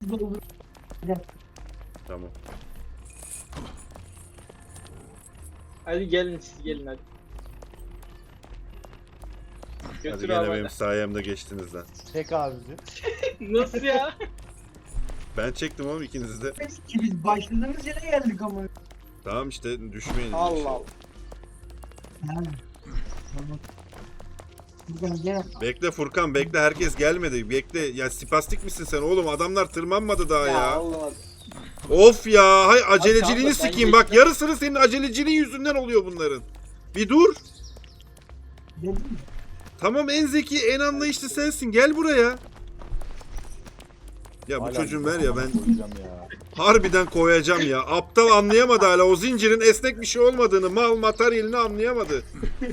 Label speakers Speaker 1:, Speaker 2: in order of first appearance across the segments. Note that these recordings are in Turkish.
Speaker 1: Tamam.
Speaker 2: Hadi gelin siz gelin hadi.
Speaker 1: Hadi
Speaker 2: Götür
Speaker 1: gene
Speaker 2: abi.
Speaker 1: benim sayemde geçtiniz lan.
Speaker 3: Çek abisi.
Speaker 2: Nasıl ya?
Speaker 1: Ben çektim oğlum ikinizi de.
Speaker 4: Ki biz başladığımız yere geldik ama.
Speaker 1: Tamam işte düşmeyin.
Speaker 2: Allah Allah.
Speaker 4: Ha. Tamam. Buradan gel.
Speaker 1: Bekle Furkan bekle, herkes gelmedi. Bekle ya, spastik misin sen oğlum, adamlar tırmanmadı daha ya.
Speaker 2: Olmadı.
Speaker 1: Of ya, hay aceleciliğini
Speaker 2: Abi, ben
Speaker 1: sikeyim bak,
Speaker 2: geçtim.
Speaker 1: yarısını senin aceleciliğin yüzünden oluyor bunların. Bir dur.
Speaker 4: Dedim.
Speaker 1: Tamam, en zeki en anlayışlı sensin, gel buraya. Ya bu
Speaker 3: Hala
Speaker 1: çocuğun ver ya, ben
Speaker 3: koyacağım ya.
Speaker 1: harbiden koyacağım ya. Aptal anlayamadı hala o zincirin esnek bir şey olmadığını, mal materyalini anlayamadı.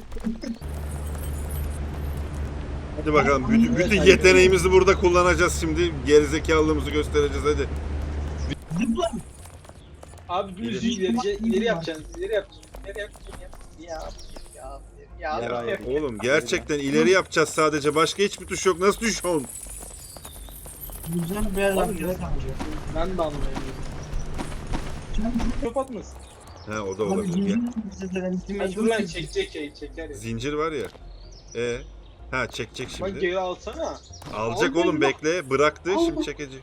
Speaker 1: Hadi bakalım, bütün yeteneğimizi burada kullanacağız şimdi. Gerizekalılığımızı göstereceğiz hadi.
Speaker 4: Zıpla.
Speaker 2: Abi düz ileri yapacaksın. İleri yapacaksın. İleri yapacaksın. Ya.
Speaker 1: Oğlum gerçekten ileri yapacağız sadece, başka hiçbir tuş yok, nasıl düşüyorsun?
Speaker 4: Güzel bir yer
Speaker 2: Abi,
Speaker 4: yapacağız.
Speaker 2: Ben de anlayamıyorum. Çok atmasın.
Speaker 1: He, o da
Speaker 4: Abi
Speaker 1: olabilir. Gel.
Speaker 2: Hadi dur lan çekecek ya çeker ya.
Speaker 1: Zincir var ya. Ha çekecek
Speaker 2: Bak
Speaker 1: şimdi.
Speaker 2: geri alsana.
Speaker 1: Alacak
Speaker 2: Al
Speaker 1: oğlum,
Speaker 2: beni.
Speaker 1: bekle. Bıraktı,
Speaker 2: Al
Speaker 1: şimdi
Speaker 2: bak.
Speaker 1: çekecek.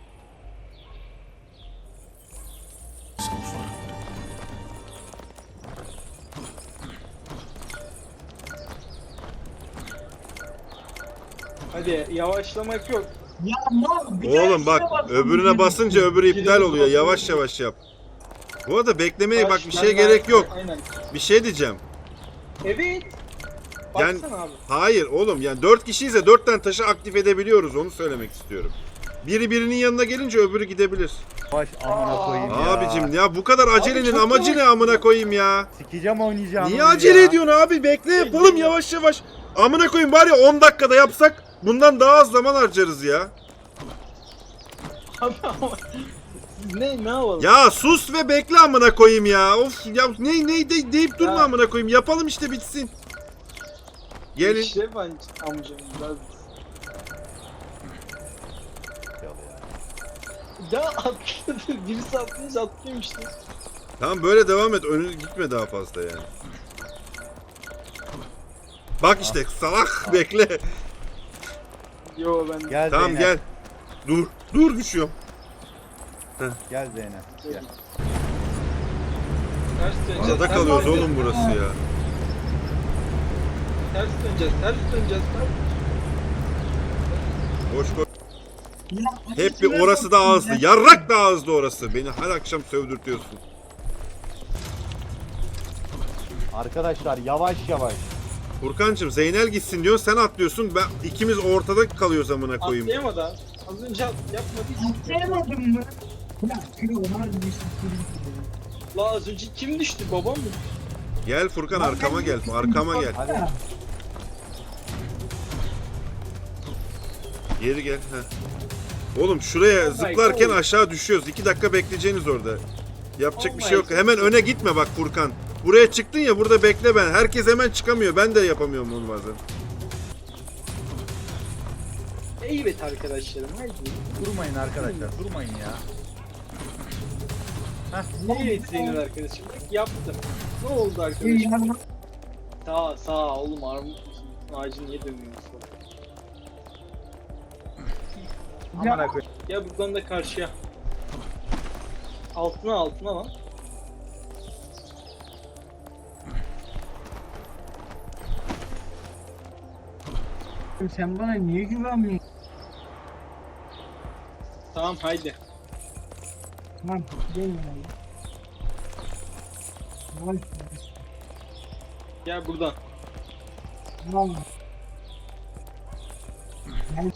Speaker 2: Hadi yavaşlamak yok.
Speaker 4: Ya mal bir
Speaker 1: Oğlum
Speaker 4: tanesine
Speaker 1: bak,
Speaker 4: baksana.
Speaker 1: öbürüne basınca öbürü iptal
Speaker 2: Geri
Speaker 1: oluyor.
Speaker 2: bas.
Speaker 1: Yavaş yavaş yap. Bu arada beklemeye bak, bir
Speaker 2: Ben
Speaker 1: şey
Speaker 2: daha-
Speaker 1: gerek yok.
Speaker 2: Aynen.
Speaker 1: Bir şey diyeceğim.
Speaker 2: Evet.
Speaker 1: Yani-
Speaker 2: Baksana abi.
Speaker 1: Hayır oğlum, yani 4 kişiyse 4 tane taşı aktif edebiliyoruz, onu söylemek istiyorum. Biri birinin yanına gelince öbürü gidebilir.
Speaker 3: Baş amına koyayım ya.
Speaker 1: Abicim ya, bu kadar acelenin
Speaker 2: çok
Speaker 1: amacı ne
Speaker 2: yavaş.
Speaker 1: amına koyayım ya?
Speaker 3: Sikeceğim oynayacağım.
Speaker 1: Niye acele ediyorsun abi? Bekle yapalım yavaş yavaş. Amına koyayım, var ya 10 dakikada yapsak bundan daha az zaman harcarız ya.
Speaker 2: Abi ama. Siz ne yapalım?
Speaker 1: Ya sus ve bekle amına koyayım ya. Of ya, deyip durma
Speaker 2: Ya.
Speaker 1: amına koyayım. Yapalım işte, bitsin. Gelin.
Speaker 2: İşte ben amcam biraz. Ya atladı. Birisi atlayınca atlayayım işte.
Speaker 1: Tamam, böyle devam et. Önü gitme daha fazla yani. Bak işte salak, bekle.
Speaker 2: Yo ben
Speaker 3: Gel
Speaker 1: Tamam
Speaker 3: Zeynep.
Speaker 1: gel. Dur düşüyorum.
Speaker 3: Gel Zeynep. Gel.
Speaker 2: ters döneceğiz.
Speaker 1: Arada
Speaker 2: Ters
Speaker 1: kalıyoruz
Speaker 2: döneceğiz.
Speaker 1: oğlum burası ya.
Speaker 2: Ters döneceğiz. Ters döneceğiz.
Speaker 1: Boş boş.
Speaker 4: Ya,
Speaker 1: Hep bir orası da ağızlı. Yarrak da ağızlı orası. Beni her akşam sövdürtüyorsun.
Speaker 3: Arkadaşlar yavaş yavaş.
Speaker 1: Furkancığım, Zeynel gitsin diyor, sen atlıyorsun. İkimiz ortada kalıyoruz amına koyayım.
Speaker 2: Atlayamadı abi. Az önce yapmadı hiç.
Speaker 4: Atlayamadım mı? Ya kırı onlar bir şey.
Speaker 2: La az önce kim düştü? Babam mı?
Speaker 1: Gel Furkan, arkama gel. Arkama gel.
Speaker 3: Hadi.
Speaker 1: Geri gel. Heh. Oğlum şuraya zıplarken aşağı düşüyoruz. 2 dakika bekleyeceğiniz orada. Yapacak bir şey yok. Hemen öne gitme bak Furkan. Buraya çıktın ya, burada bekle ben. Herkes hemen çıkamıyor. Ben de yapamıyorum onu bazen.
Speaker 2: Evet arkadaşlarım. Haydi.
Speaker 3: Durmayın arkadaşlar. Durmayın ya.
Speaker 2: Evet senin arkadaşım. Bak yaptım. Ne oldu arkadaşım? Sağ oğlum armut ağacı niye dönüyorsun?
Speaker 3: Amına koyayım.
Speaker 2: Ya buradan da karşıya. Altına lan.
Speaker 4: Sen bana niye güvenmiyorsun?
Speaker 2: Tamam haydi.
Speaker 4: Tamam, gel ya. Vay.
Speaker 2: Gel buradan.
Speaker 4: Vallahi. Ben...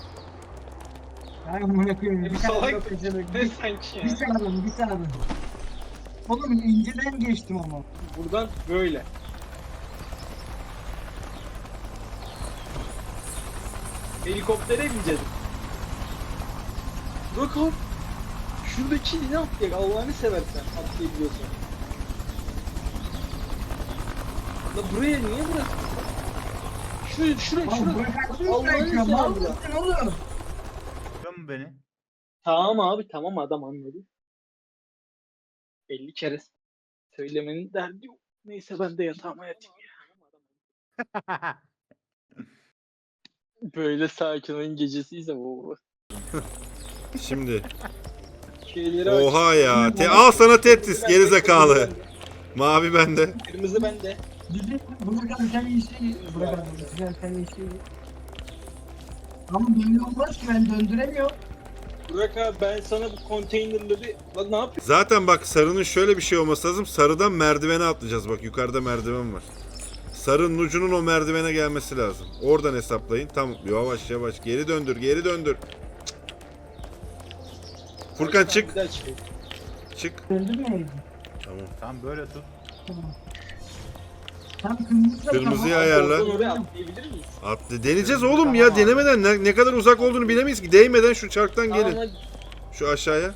Speaker 4: Ben bunu koyayım.
Speaker 2: Bir
Speaker 4: Bir tane
Speaker 2: salak.
Speaker 4: yok kaçırdık.
Speaker 2: Ne sanki
Speaker 4: Bir
Speaker 2: ya?
Speaker 4: saniye, bir saniye. Oğlum inceden geçtim ama.
Speaker 2: Buradan böyle. Helikoptere bineceğiz. Bırak abi. Şuradaki ne atlayacak Allah'ını seversen atlayabiliyorsan. La buraya niye bıraktın? Şuraya
Speaker 4: Lan bırakarsın
Speaker 2: Allah'ını
Speaker 4: sanki, mal
Speaker 2: seversen.
Speaker 4: mısın oğlum?
Speaker 3: Göm beni.
Speaker 2: Tamam abi tamam adam anladı. 50 kere söylemenin derdi yok. Neyse ben de yatağıma yatayım ya. Böyle sakin oyun gecesiyse bu.
Speaker 1: Şimdi.
Speaker 2: Şeyleri aç.
Speaker 1: Oha ya. Al sana Tetris gerizekalı. Mavi bende.
Speaker 2: Kırmızı bende.
Speaker 4: Dedi bırakalım sen iyisi. Bırakalım sen iyisi. Ama böyle olmaz ki ben döndüremiyorum.
Speaker 2: Burak abi ben sana bu konteynerleri... Lan ne yapıyorsun?
Speaker 1: Zaten bak sarının şöyle bir şey olması lazım. Sarıdan merdivene atlayacağız. Bak yukarıda merdiven var. Sarının ucunun o merdivene gelmesi lazım. Oradan hesaplayın. Tamam yavaş yavaş. Geri döndür geri döndür. Furkan çık.
Speaker 2: Güzel çıkıyor.
Speaker 1: Çık.
Speaker 4: Döndürmeyelim.
Speaker 1: Tamam.
Speaker 3: Tam böyle tut.
Speaker 4: Tamam. Tam kırmızı.
Speaker 1: Kırmızıyı
Speaker 4: tamam.
Speaker 1: ayarla.
Speaker 2: Oradan oraya atlayabilir miyiz?
Speaker 1: Deneyeceğiz oğlum ya. Denemeden ne kadar uzak olduğunu bilemeyiz ki. Değmeden şu çarktan
Speaker 2: Tamam,
Speaker 1: gelin.
Speaker 2: hadi.
Speaker 1: Şu aşağıya.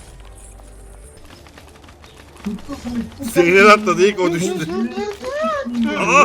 Speaker 4: Tuttu.
Speaker 1: Zeynel atladı ilk o düştü. Aa!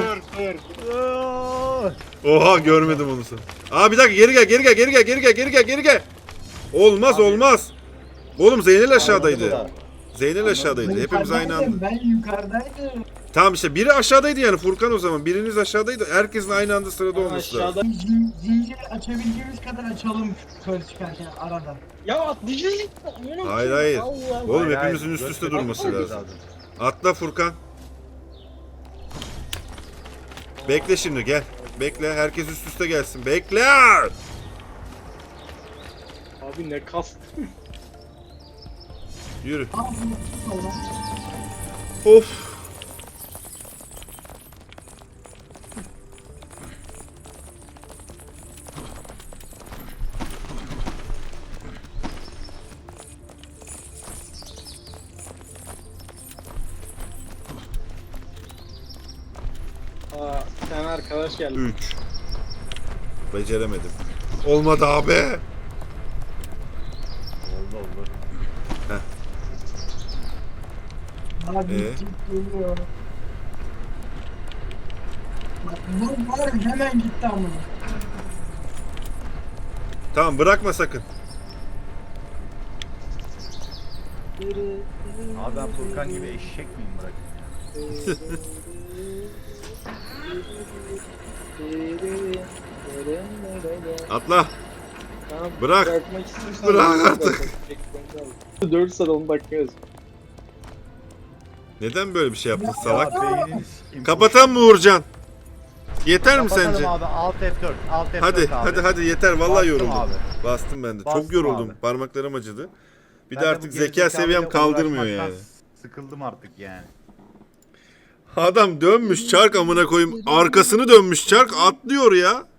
Speaker 1: Oha görmedim onu sen. Aa bir dakika geri gel. Olmaz
Speaker 3: Abi.
Speaker 1: olmaz. Oğlum Zeynel
Speaker 3: Da.
Speaker 1: aşağıdaydı. Zeynel aşağıdaydı. Hepimiz aynı anda.
Speaker 4: Ben yukarıdaydım.
Speaker 1: Tamam işte biri aşağıdaydı yani Furkan o zaman. Biriniz aşağıdaydı. Herkesin aynı anda sırada
Speaker 2: Ben
Speaker 1: olması lazım.
Speaker 2: aşağıda...
Speaker 4: Zinciri açabildiğimiz kadar açalım kör çıkarken arada.
Speaker 2: Ya atlayacağız.
Speaker 1: Hayır, hayır.
Speaker 2: Allah Allah.
Speaker 1: Oğlum
Speaker 3: Hayır,
Speaker 1: hepimizin
Speaker 3: hayır.
Speaker 1: üst üste
Speaker 3: Göstermek
Speaker 1: durması lazım. Atla Furkan. Bekle şimdi gel. Bekle herkes üst üste gelsin. Bekle.
Speaker 2: Abi ne kast.
Speaker 1: Yürü.
Speaker 4: Aa, Allah.
Speaker 1: Of.
Speaker 2: Aa, bir tane arkadaş geldi.
Speaker 1: 3. Beceremedim. Olmadı abi.
Speaker 3: Oldu oldu.
Speaker 4: Abi geliyor. Bak bu var hemen gitti ama.
Speaker 1: Tamam bırakma sakın.
Speaker 3: Abi ben Furkan gibi eşek miyim bırakın ya?
Speaker 1: Atla.
Speaker 2: Tamam,
Speaker 1: Bırak.
Speaker 2: bırakmak istiyorsan
Speaker 1: Bırak
Speaker 2: bırak.
Speaker 1: artık.
Speaker 2: 4 saat 10 dakika yaz.
Speaker 1: Neden böyle bir şey yaptın salak?
Speaker 3: Ya beynini sikeyim.
Speaker 1: Kapatan mı Uğurcan? Yeter mi
Speaker 3: Kapatalım
Speaker 1: sence?
Speaker 3: abi Alt F4. Alt F4
Speaker 1: Hadi
Speaker 3: abi.
Speaker 1: hadi yeter vallahi
Speaker 3: Bastım
Speaker 1: yoruldum.
Speaker 3: abi.
Speaker 1: Bastım ben de. Çok
Speaker 3: Bastım
Speaker 1: yoruldum.
Speaker 3: abi.
Speaker 1: Parmaklarım acıdı. Bir
Speaker 3: Ben
Speaker 1: de
Speaker 3: bu
Speaker 1: artık zeka
Speaker 3: gerizekalıyla
Speaker 1: seviyem kaldırmıyor
Speaker 3: uğraşmaktan
Speaker 1: yani.
Speaker 3: Sıkıldım artık yani.
Speaker 1: Adam dönmüş çark amına koyayım. Arkasını dönmüş çark atlıyor ya.